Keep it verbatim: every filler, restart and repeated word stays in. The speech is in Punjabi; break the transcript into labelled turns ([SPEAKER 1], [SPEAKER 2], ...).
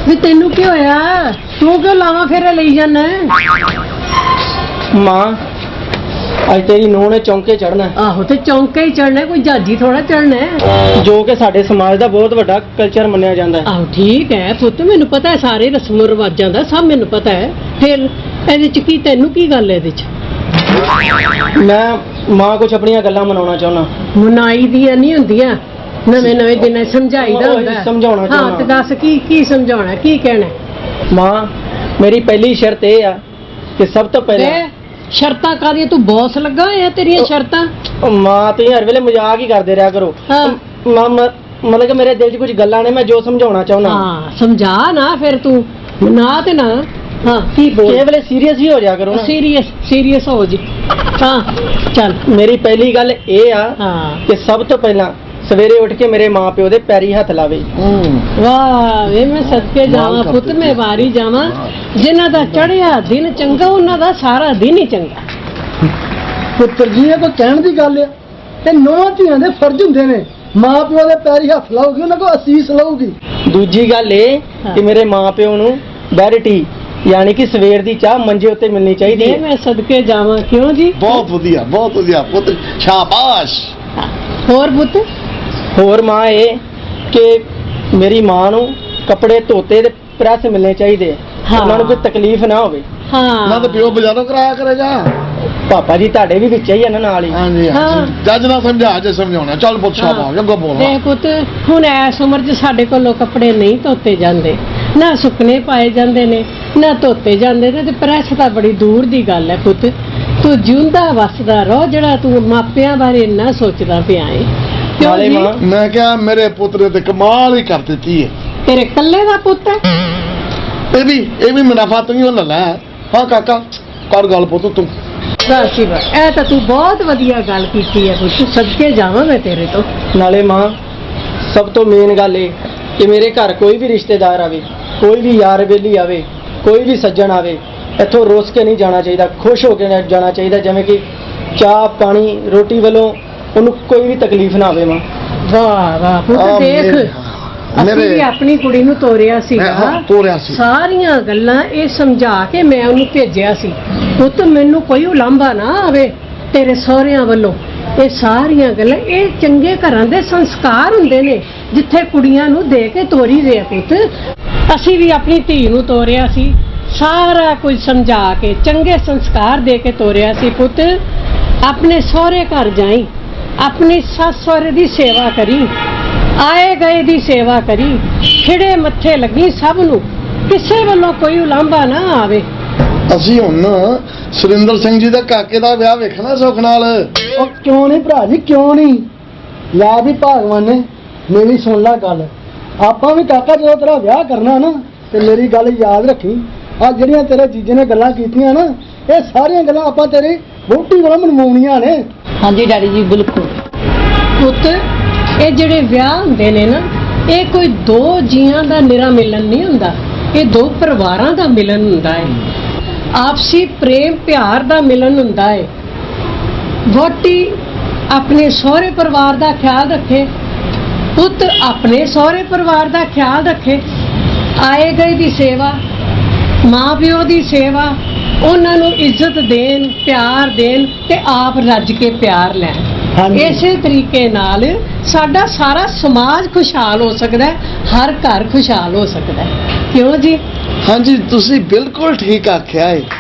[SPEAKER 1] ਵੀ ਤੈਨੂੰ ਕੀ ਹੋਇਆ? ਤੂੰ ਕਿਉਂ ਲਾਵਾਂ ਫੇਰੇ ਲਈ ਜਾਣਾ?
[SPEAKER 2] ਮਾਂ ਅੱਜ ਤੇਰੀ ਨੂੰਹ ਨੇ ਚੌਂਕੇ ਚੜਨਾ।
[SPEAKER 1] ਆਹੋ ਤੇ ਚੌਂਕੇ ਹੀ ਚੜਨਾ, ਕੋਈ ਜਹਾਜੀ ਥੋੜਾ ਚੜਨਾ,
[SPEAKER 2] ਜੋ ਕਿ ਸਾਡੇ ਸਮਾਜ ਦਾ ਬਹੁਤ ਵੱਡਾ ਕਲਚਰ ਮੰਨਿਆ ਜਾਂਦਾ ਹੈ।
[SPEAKER 1] ਆਹੋ ਠੀਕ ਹੈ ਪੁੱਤ, ਮੈਨੂੰ ਪਤਾ ਹੈ ਸਾਰੇ ਰਸਮ ਰਿਵਾਜਾਂ ਦਾ, ਸਭ ਮੈਨੂੰ ਪਤਾ ਹੈ। ਫਿਰ ਇਹਦੇ ਚ ਕੀ, ਤੈਨੂੰ ਕੀ ਗੱਲ ਇਹਦੇ ਚ?
[SPEAKER 2] ਮੈਂ ਮਾਂ ਕੁਝ ਆਪਣੀਆਂ ਗੱਲਾਂ ਮਨਾਉਣਾ ਚਾਹੁੰਦਾ।
[SPEAKER 1] ਮਨਾਈ ਦੀਆਂ ਨਹੀਂ ਹੁੰਦੀਆਂ, ਨਵੇਂ ਨਵੇਂ ਦਿਨਾਂ ਸਮਝਾਈਦਾ ਹੁੰਦਾ।
[SPEAKER 2] ਸਮਝਾਉਣਾ
[SPEAKER 1] ਹਾਂ
[SPEAKER 2] ਚਾਹੁੰਦਾ।
[SPEAKER 1] ਤੇ ਦੱਸ ਕੀ ਕੀ ਸਮਝਾਉਣਾ, ਕੀ ਕਹਿਣਾ?
[SPEAKER 2] ਮਾਂ ਮੇਰੀ ਪਹਿਲੀ ਸ਼ਰਤ ਇਹ ਆ ਕਿ ਸਭ ਤੋਂ ਪਹਿਲਾਂ
[SPEAKER 1] ਸ਼ਰਤਾਂ ਕਾਹਦੀਆਂ? ਤੂੰ ਬੌਸ ਲੱਗਾ ਹੋਇਆ, ਤੇਰੀਆਂ ਸ਼ਰਤਾਂ?
[SPEAKER 2] ਉਹ ਮਾਂ ਤੁਸੀਂ ਹਰ ਵੇਲੇ ਮਜ਼ਾਕ ਹੀ ਕਰਦੇ ਰਿਹਾ ਕਰੋ।
[SPEAKER 1] ਹਾਂ
[SPEAKER 2] ਮਾਂ ਮਤਲਬ ਕਿ ਮੇਰੇ ਦਿਲ 'ਚ ਕੁਝ ਗੱਲਾਂ ਨੇ, ਮੈਂ ਜੋ ਸਮਝਾਉਣਾ ਚਾਹੁੰਦਾ।
[SPEAKER 1] ਹਾਂ ਸਮਝਾ ਨਾ ਫਿਰ ਤੂੰ, ਨਾ ਤੇ ਨਾ। ਹਾਂ ਕੀ ਬੋਲ?
[SPEAKER 2] ਕਿਸੇ ਵੇਲੇ ਸੀਰੀਅਸ ਵੀ ਹੋ ਜਾ ਕਰੋ ਨਾ।
[SPEAKER 1] ਸੀਰੀਅਸ ਸੀਰੀਅਸ ਹੋ ਜੀ। ਹਾਂ ਚੱਲ।
[SPEAKER 2] ਮੇਰੀ ਪਹਿਲੀ ਗੱਲ ਇਹ ਆ
[SPEAKER 1] ਹਾਂ
[SPEAKER 2] ਕਿ ਸਭ ਤੋਂ ਪਹਿਲਾਂ ਸਵੇਰੇ ਉੱਠ ਕੇ ਮੇਰੇ ਮਾਂ ਪਿਓ ਦੇ ਪੈਰੀ ਹੱਥ ਲਾਵੇ।
[SPEAKER 1] ਵਾਹ ਵੇ ਮੈਂ ਸਦਕੇ ਜਾਵਾਂ ਪੁੱਤ, ਮੈਂ ਵਾਰੀ ਜਾਵਾਂ। ਜਿਨ੍ਹਾਂ ਦਾ ਚੜਿਆ ਦਿਨ ਚੰਗਾ, ਉਹਨਾਂ ਦਾ ਸਾਰਾ ਦਿਨ ਹੀ ਚੰਗਾ।
[SPEAKER 3] ਪੁੱਤਰ ਜੀ ਇਹ ਕੋਈ ਕਹਿਣ ਦੀ ਗੱਲ ਆ, ਇਹ ਨੌਂ ਧੀਆਂ ਦੇ ਫਰਜ਼ ਹੁੰਦੇ ਨੇ। ਮਾਂ ਪਿਓ ਦੇ ਪੈਰੀ ਹੱਥ ਲਾਉਗੀ, ਉਹਨਾਂ ਕੋਲ ਅਸੀਸ ਲਊਗੀ।
[SPEAKER 2] ਦੂਜੀ ਗੱਲ ਇਹ ਕਿ ਮੇਰੇ ਮਾਂ ਪਿਓ ਨੂੰ ਬੈਰਿਟੀ ਯਾਨੀ ਕਿ ਸਵੇਰ ਦੀ ਚਾਹ ਮੰਜੇ ਉੱਤੇ ਮਿਲਣੀ ਚਾਹੀਦੀ ਹੈ।
[SPEAKER 1] ਮੈਂ ਸਦਕੇ ਜਾਵਾਂ। ਕਿਉਂ ਜੀ?
[SPEAKER 4] ਬਹੁਤ ਵਧੀਆ, ਬਹੁਤ ਵਧੀਆ ਪੁੱਤ, ਸ਼ਾਬਾਸ਼।
[SPEAKER 1] ਹੋਰ ਪੁੱਤ?
[SPEAKER 2] ਹੋਰ ਮਾਂ ਇਹ ਕਿ ਮੇਰੀ ਮਾਂ ਨੂੰ ਕੱਪੜੇ ਧੋਤੇ ਤੇ ਪ੍ਰੈਸ ਮਿਲਣੇ ਚਾਹੀਦੇ, ਉਹਨਾਂ ਨੂੰ ਕੋਈ ਤਕਲੀਫ ਨਾ ਹੋਵੇ।
[SPEAKER 1] ਹਾਂ
[SPEAKER 4] ਨਾ ਤਾਂ ਪਿਓ ਬਾਜ਼ਾਰੋਂ ਕਰਾਇਆ ਕਰੇਗਾ।
[SPEAKER 2] ਪਾਪਾ ਜੀ ਤੁਹਾਡੇ ਵੀ ਵਿੱਚ ਹੀ ਆ ਨਾ ਨਾਲ ਹੀ।
[SPEAKER 4] ਹਾਂਜੀ ਹਾਂਜੀ, ਜੱਜ ਨਾ ਸਮਝਾ, ਜੇ ਸਮਝਾਉਣਾ। ਚੱਲ ਪੁੱਤ ਸ਼ਾਬਾਸ਼, ਅੱਗੋਂ ਬੋਲ।
[SPEAKER 1] ਦੇਖ ਪੁੱਤ, ਹੁਣ ਐਸ ਉਮਰ 'ਚ ਸਾਡੇ ਕੋਲੋਂ ਕੱਪੜੇ ਨਹੀਂ ਧੋਤੇ ਜਾਂਦੇ, ਨਾ ਸੁੱਕਣੇ ਪਾਏ ਜਾਂਦੇ ਨੇ, ਨਾ ਧੋਤੇ ਜਾਂਦੇ ਨੇ, ਤੇ ਪ੍ਰੈਸ ਤਾਂ ਬੜੀ ਦੂਰ ਦੀ ਗੱਲ ਹੈ ਪੁੱਤ। ਤੂੰ ਜਿਉਂਦਾ ਵਸਦਾ ਰਹੋ, ਜਿਹੜਾ ਤੂੰ ਮਾਪਿਆਂ ਬਾਰੇ ਇੰਨਾ ਸੋਚਦਾ ਪਿਆ ਏ। ਕਿਉਂ
[SPEAKER 2] ਨਾਲੇ
[SPEAKER 1] ਜੀ?
[SPEAKER 2] ਮਾਂ
[SPEAKER 4] ਮੈਂ ਕਿਹਾ ਮੇਰੇ ਪੁੱਤ ਨੇ ਤੇ ਕਮਾਲ ਹੀ ਕਰ ਦਿੱਤੀ ਹੈ।
[SPEAKER 1] ਤੇਰੇ ਕੱਲੇ ਦਾ ਪੁੱਤ ਹੈ?
[SPEAKER 4] ਇਹ ਵੀ ਇਹ ਵੀ ਮੁਨਾਫਾ ਤੂੰ ਹੀ ਲੈ ਲੈ। ਹਾਂ ਕਾਕਾ ਕਰ ਗੱਲ ਪੁੱਤ ਤੂੰ।
[SPEAKER 1] ਬਸ ਬਸ, ਇਹ ਤਾਂ ਤੂੰ ਬਹੁਤ ਵਧੀਆ ਗੱਲ ਕੀਤੀ ਹੈ ਪੁੱਤ, ਸਦਕੇ ਜਾਵਾਂ ਮੈਂ ਤੇਰੇ ਤੋਂ।
[SPEAKER 2] ਨਾਲੇ ਮਾਂ ਸਭ ਤੋਂ ਮੇਨ ਗੱਲ ਇਹ ਕਿ ਮੇਰੇ ਘਰ ਕੋਈ ਵੀ ਰਿਸ਼ਤੇਦਾਰ ਆਵੇ, ਕੋਈ ਵੀ ਯਾਰ ਬੇਲੀ ਆਵੇ, ਕੋਈ ਵੀ ਸੱਜਣ ਆਵੇ, ਇੱਥੋਂ ਰੋਸ ਕੇ ਨਹੀਂ ਜਾਣਾ ਚਾਹੀਦਾ, ਖੁਸ਼ ਹੋ ਕੇ ਜਾਣਾ ਚਾਹੀਦਾ, ਜਿਵੇਂ ਕਿ ਚਾਹ ਪਾਣੀ ਰੋਟੀ ਵੱਲੋਂ ਉਹਨੂੰ ਕੋਈ ਵੀ ਤਕਲੀਫ ਨਾ ਆਵੇ। ਮਾਂ
[SPEAKER 1] ਵਾਹ ਵਾਹ ਪੁੱਤ,
[SPEAKER 4] ਆ
[SPEAKER 1] ਦੇਖ
[SPEAKER 4] ਮੇਰੇ-
[SPEAKER 1] ਅਸੀਂ ਵੀ ਆਪਣੀ ਕੁੜੀ ਨੂੰ ਤੋਰਿਆ ਸੀਗਾ,
[SPEAKER 4] ਮੈਂ ਤੋਰਿਆ ਸੀ।
[SPEAKER 1] ਸਾਰੀਆਂ ਗੱਲਾਂ ਇਹ ਸਮਝਾ ਕੇ ਮੈਂ ਉਹਨੂੰ ਭੇਜਿਆ ਸੀ। ਪੁੱਤ ਮੈਨੂੰ ਕੋਈ ਉਲਾਂਭਾ ਨਾ ਆਵੇ ਤੇਰੇ ਸਹੁਰਿਆਂ ਵੱਲੋਂ। ਇਹ ਸਾਰੀਆਂ ਗੱਲਾਂ ਇਹ ਚੰਗੇ ਘਰਾਂ ਦੇ ਸੰਸਕਾਰ ਹੁੰਦੇ ਨੇ, ਜਿੱਥੇ ਕੁੜੀਆਂ ਨੂੰ ਦੇ ਕੇ ਤੋਰੀ ਦੇ। ਪੁੱਤ ਅਸੀਂ ਵੀ ਆਪਣੀ ਧੀ ਨੂੰ ਤੋਰਿਆ ਸੀ, ਸਾਰਾ ਕੁਝ ਸਮਝਾ ਕੇ ਚੰਗੇ ਸੰਸਕਾਰ ਦੇ ਕੇ ਤੋਰਿਆ ਸੀ। ਪੁੱਤ ਆਪਣੇ ਸਹੁਰੇ ਘਰ ਜਾਈ, ਆਪਣੀ ਸੱਸ ਸਹੁਰੇ ਦੀ ਸੇਵਾ ਕਰੀ, ਆਏ ਗਏ ਦੀ ਸੇਵਾ ਕਰੀ, ਖਿੜੇ ਮੱਥੇ ਲੱਗੀ ਸਭ ਨੂੰ, ਕਿਸੇ ਵੱਲੋਂ ਕੋਈ ਉਲਾਂਭਾ ਨਾ ਆਵੇ।
[SPEAKER 4] ਅਸੀਂ ਹੁਣ ਸੁਰਿੰਦਰ ਸਿੰਘ ਜੀ ਦੇ ਕਾਕੇ ਦਾ ਵਿਆਹ ਵੇਖਣਾ ਸੁੱਖ ਨਾਲ।
[SPEAKER 3] ਉਹ ਕਿਉਂ ਨਹੀਂ ਭਰਾ ਜੀ, ਕਿਉਂ ਨਹੀਂ? ਲੈ ਵੀ ਭਗਵਾਨ ਨੇ ਮੇਰੀ ਸੁਣ ਲੈ ਗੱਲ। ਆਪਾਂ ਵੀ ਕਾਕਾ ਜਦੋਂ ਤੇਰਾ ਵਿਆਹ ਕਰਨਾ ਨਾ, ਤੇ ਮੇਰੀ ਗੱਲ ਯਾਦ ਰੱਖੀ। ਆ ਜਿਹੜੀਆਂ ਤੇਰੇ ਜੀਜੇ ਨੇ ਗੱਲਾਂ ਕੀਤੀਆਂ ਨਾ, ਇਹ ਸਾਰੀਆਂ ਗੱਲਾਂ ਆਪਾਂ ਤੇਰੀ ਵਹੁਟੀ ਵੱਲੋਂ ਮਨਵਾਉਣੀਆਂ ਨੇ।
[SPEAKER 1] ਹਾਂਜੀ ਡੈਡੀ ਜੀ ਬਿਲਕੁਲ। ਪੁੱਤ ਇਹ ਜਿਹੜੇ ਵਿਆਹ ਹੁੰਦੇ ਨੇ ਨਾ, ਇਹ ਕੋਈ ਦੋ ਜੀਆਂ ਦਾ ਨਿਰਾ ਮਿਲਨ ਨਹੀਂ ਹੁੰਦਾ, ਇਹ ਦੋ ਪਰਿਵਾਰਾਂ ਦਾ ਮਿਲਨ ਹੁੰਦਾ ਹੈ, ਆਪਸੀ ਪ੍ਰੇਮ ਪਿਆਰ ਦਾ ਮਿਲਨ ਹੁੰਦਾ ਹੈ। ਵਹੁਟੀ ਆਪਣੇ ਸਹੁਰੇ ਪਰਿਵਾਰ ਦਾ ਖਿਆਲ ਰੱਖੇ, ਪੁੱਤ ਆਪਣੇ ਸਹੁਰੇ ਪਰਿਵਾਰ ਦਾ ਖਿਆਲ ਰੱਖੇ, ਆਏ ਗਏ ਦੀ ਸੇਵਾ, ਮਾਂ ਪਿਓ ਦੀ ਸੇਵਾ, ਉਹਨਾਂ ਨੂੰ ਇੱਜ਼ਤ ਦੇਣ, ਪਿਆਰ ਦੇਣ, ਤੇ ਆਪ ਰੱਜ ਕੇ ਪਿਆਰ ਲੈਣ। ਇਸੇ ਤਰੀਕੇ ਨਾਲ ਸਾਡਾ ਸਾਰਾ ਸਮਾਜ ਖੁਸ਼ਹਾਲ ਹੋ ਸਕਦਾ ਹੈ, ਹਰ ਘਰ ਖੁਸ਼ਹਾਲ ਹੋ ਸਕਦਾ ਹੈ। ਕਿਉਂ ਜੀ?
[SPEAKER 4] ਹਾਂਜੀ ਤੁਸੀਂ ਬਿਲਕੁਲ ਠੀਕ ਆਖਿਆ ਹੈ।